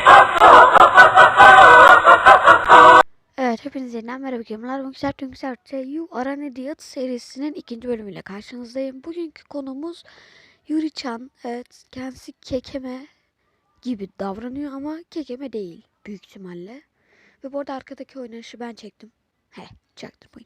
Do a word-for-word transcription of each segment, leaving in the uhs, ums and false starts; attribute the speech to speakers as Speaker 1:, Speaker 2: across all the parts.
Speaker 1: Evet, hepinize yeniden merhaba gamerlar. Bugün Sertün Güzel You Are an Idiot serisinin ikinci bölümüyle karşınızdayım. Bugünkü konumuz Yuri-chan. Evet, kendisi kekeme gibi davranıyor ama kekeme değil büyük ihtimalle. Ve bu arada arkadaki oynanışı ben çektim. He, çaktırmayın.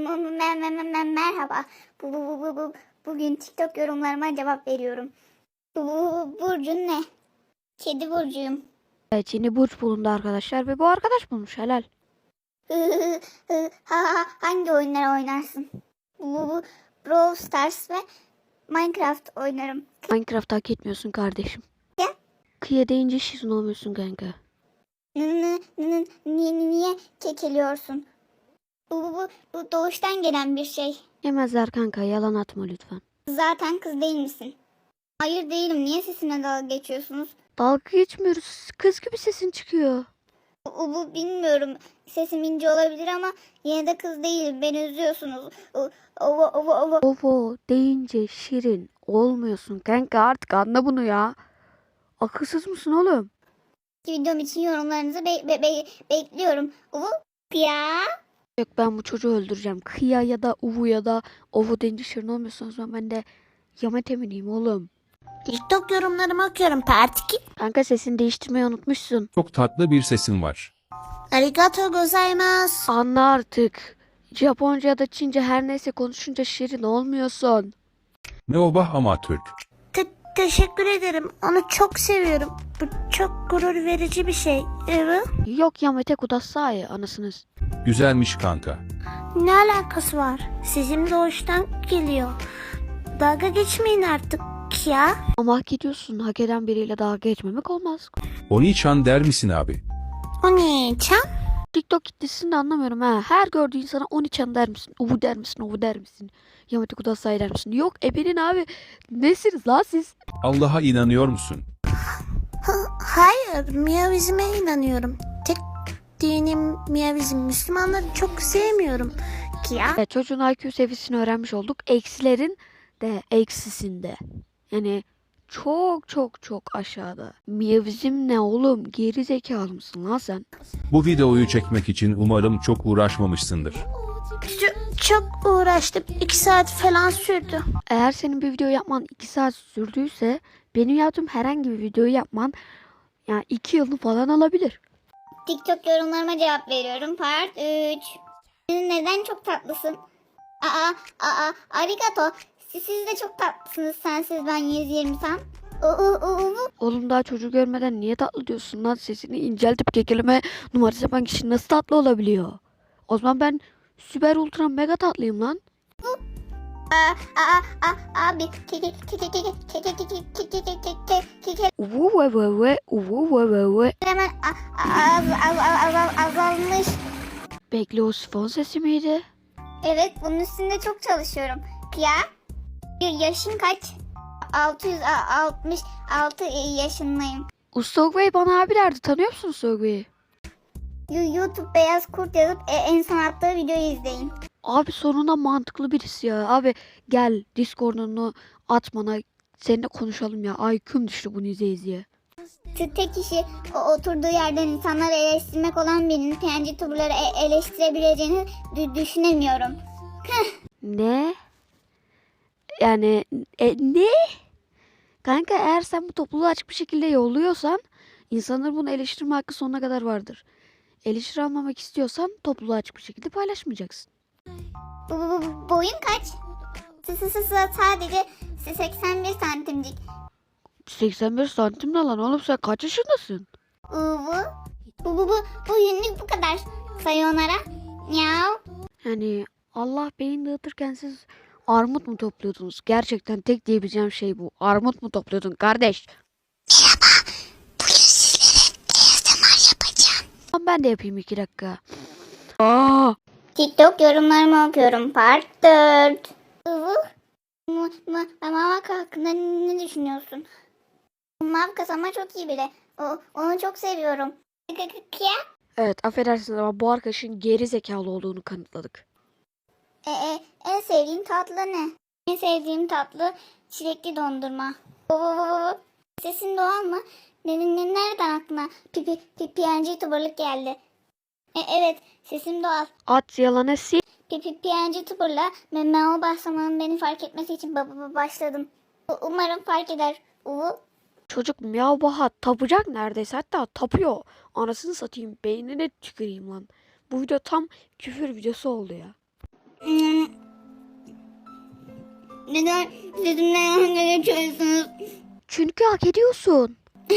Speaker 2: Merhaba. Bu, bu, bu, bu, bu. Bugün TikTok yorumlarıma cevap veriyorum. Bu, bu, bu burcun ne? Kedi burcuyum.
Speaker 1: Evet, yeni burç bulundu arkadaşlar ve bu arkadaş bulmuş, helal.
Speaker 2: Hı, hı, hı, ha, ha, hangi oyunları oynarsın? Bu, bu, bu Brawl Stars ve Minecraft oynarım.
Speaker 1: Minecraft hak etmiyorsun kardeşim.
Speaker 2: Ya?
Speaker 1: Kıya deyince şizin olmuyorsun kanka.
Speaker 2: N- n- n- Niye, niye kekeliyorsun? Bu, bu, bu, bu doğuştan gelen bir şey.
Speaker 1: Yemezler kanka, yalan atma lütfen.
Speaker 2: Zaten kız değil misin? Hayır değilim. Niye sesimle dalga geçiyorsunuz?
Speaker 1: Dalga geçmiyoruz, kız gibi sesin çıkıyor.
Speaker 2: Bu, bu bilmiyorum. Sesim ince olabilir ama yine de kız değilim. Beni üzüyorsunuz. O, o, o, o, o.
Speaker 1: Ovo deyince şirin olmuyorsun kanka, artık anla bunu ya. Akılsız mısın oğlum?
Speaker 2: Videom için yorumlarınızı be, be, be, bekliyorum. Bu ya.
Speaker 1: Yok, ben bu çocuğu öldüreceğim. Kıya ya da uvu ya da ovo deyince şirin olmuyorsun, o zaman ben de Yamet emineyim oğlum.
Speaker 2: TikTok yorumlarımı okuyorum. Part iki.
Speaker 1: Kanka, sesini değiştirmeyi unutmuşsun.
Speaker 3: Çok tatlı bir sesin var.
Speaker 2: Arigato gozaimasu.
Speaker 1: Anla artık. Japonca ya da Çince her neyse konuşunca şirin olmuyorsun.
Speaker 3: Ne obah ama Türk.
Speaker 2: Te- teşekkür ederim. Onu çok seviyorum. Bu çok gurur verici bir şey. Evet.
Speaker 1: Yok Yamete Kudasai anasınız.
Speaker 3: Güzelmiş kanka.
Speaker 2: Ne alakası var? Sizin doğuştan geliyor. Dalga geçmeyin artık ya.
Speaker 1: Ama hak ediyorsun. Hak eden biriyle dalga geçmemek olmaz.
Speaker 3: Oni-chan der misin abi?
Speaker 2: O ne çam?
Speaker 1: TikTok kitlesini de anlamıyorum ha. Her gördüğü insana Oni-chan der misin? Uvu der misin? Uvu der misin? Yamete Kudasai der misin? Yok ebenin abi. Nesiniz la siz?
Speaker 3: Allah'a inanıyor musun?
Speaker 2: Hayır, Miyavizm'e inanıyorum. Tek dinim Miyavizm. Müslümanları çok sevmiyorum. Ki ya.
Speaker 1: Evet, çocuğun I Q seviyesini öğrenmiş olduk. Eksilerin de eksisinde. Yani çok çok çok aşağıda. Miyavizm ne oğlum? Geri zekalı mısın lan sen?
Speaker 3: Bu videoyu çekmek için umarım çok uğraşmamışsındır.
Speaker 2: Çok, çok uğraştım. İki saat falan sürdü.
Speaker 1: Eğer senin bir video yapman iki saat sürdüyse benim yaptığım herhangi bir videoyu yapman yani iki yılını falan alabilir.
Speaker 2: TikTok yorumlarıma cevap veriyorum. Part üç. Neden çok tatlısın? Aa, aa, arigato. Siz, siz de çok tatlısınız. Sensiz ben yüz yirmi tam. U, u, u, u.
Speaker 1: Oğlum, daha çocuğu görmeden niye tatlı diyorsun lan? Sesini inceltip kekeleme numarası yapan kişi nasıl tatlı olabiliyor? O zaman ben süper ultra mega tatlıyım lan.
Speaker 2: Aa, aa, aa, abi. Ke, ke, ke, ke, ke, ke, ke, ke, ke, ke, ke, ke, ke, ke, ke, ke.
Speaker 1: Uvu ve ve ve uvu ve ve ve.
Speaker 2: Hemen a- a- az, az, az, az, azalmış.
Speaker 1: Bekle, o sifon sesi miydi?
Speaker 2: Evet, bunun üstünde çok çalışıyorum. Ya, yaşın kaç? altı yüz altmış altı yaşındayım.
Speaker 1: Ustagway bana abi derdi, tanıyor musun Ustagway'i?
Speaker 2: You- YouTube beyaz kurt yazıp e, en son attığı videoyu izleyin.
Speaker 1: Abi sonunda mantıklı birisi ya. Abi gel Discord'unu at bana, seninle konuşalım ya. I Q'm düştü bunu izleye izleye.
Speaker 2: T- Tek işi o oturduğu yerden insanları eleştirmek olan birinin P N G tuberları e- eleştirebileceğini dü- düşünemiyorum.
Speaker 1: Ne? Yani e, ne? Kanka, eğer sen bu topluluğu açık bir şekilde yolluyorsan insanların bunu eleştirme hakkı sonuna kadar vardır. Eleştiri almamak istiyorsan topluluğu açık bir şekilde paylaşmayacaksın.
Speaker 2: Bu, bu, bu boyun kaç? S- s- s- Sadece seksen bir santimcik.
Speaker 1: seksen beş santim ne lan oğlum, sen kaç yaşındasın?
Speaker 2: Uvu. Bu bu bu bu yünlük bu kadar. Sayonara. Miau.
Speaker 1: Yani Allah beyin dağıtırken siz armut mu topluyordunuz? Gerçekten tek diyebileceğim şey bu. Armut mu topluyordun kardeş?
Speaker 2: Bugün sizlere A S M R yapacağım.
Speaker 1: Tamam, ben de yapayım iki dakika. Aa!
Speaker 2: TikTok yorumlarımı okuyorum. Part dört. Uvu. Mu, mu, Mamak hakkında ne düşünüyorsun? Mavkas ama çok iyi biri. O, onu çok seviyorum. Kıya.
Speaker 1: Evet, affedersiniz ama bu arkadaşın geri zekalı olduğunu kanıtladık.
Speaker 2: E, e, en sevdiğin tatlı ne? En sevdiğim tatlı çilekli dondurma. Oo, sesin doğal mı? Ne, ne, nereden aklına aklıma pipi pi, P N G tuberlik geldi. E, evet, sesim doğal.
Speaker 1: At yalanı sil.
Speaker 2: Pipi P N G tuberla Memo başlamanın beni fark etmesi için ba- ba- başladım. U- Umarım fark eder. Uvu.
Speaker 1: Çocuk miyav baha tapacak neredeyse, hatta tapıyor. Anasını satayım, beynine tüküreyim lan. Bu video tam küfür videosu oldu ya.
Speaker 2: Hmm. Neden sesimle dalga geçiyorsunuz?
Speaker 1: Çünkü hak ediyorsun.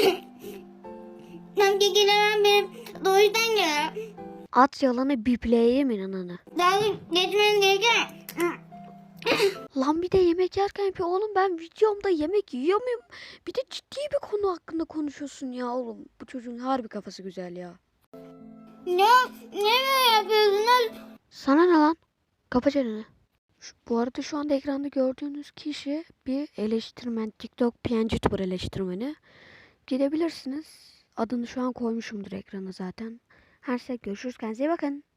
Speaker 2: Sanki gelen benim doğuştan gelen.
Speaker 1: At yalanı bipleyeyim inananı.
Speaker 2: Dalga geçmeniz gereken.
Speaker 1: Lan bir de yemek yerken yapıyor. Oğlum ben videomda yemek yiyor muyum? Bir de ciddi bir konu hakkında konuşuyorsun ya oğlum. Bu çocuğun harbi kafası güzel ya.
Speaker 2: Ne? Ne böyle yapıyorsunuz?
Speaker 1: Sana ne lan? Kapa çeneni. Şu- Bu arada şu anda ekranda gördüğünüz kişi bir eleştirmen. TikTok P N G YouTuber eleştirmeni. Gidebilirsiniz. Adını şu an koymuşumdur ekrana zaten. Her şey görüşürüz. Kendinize iyi bakın.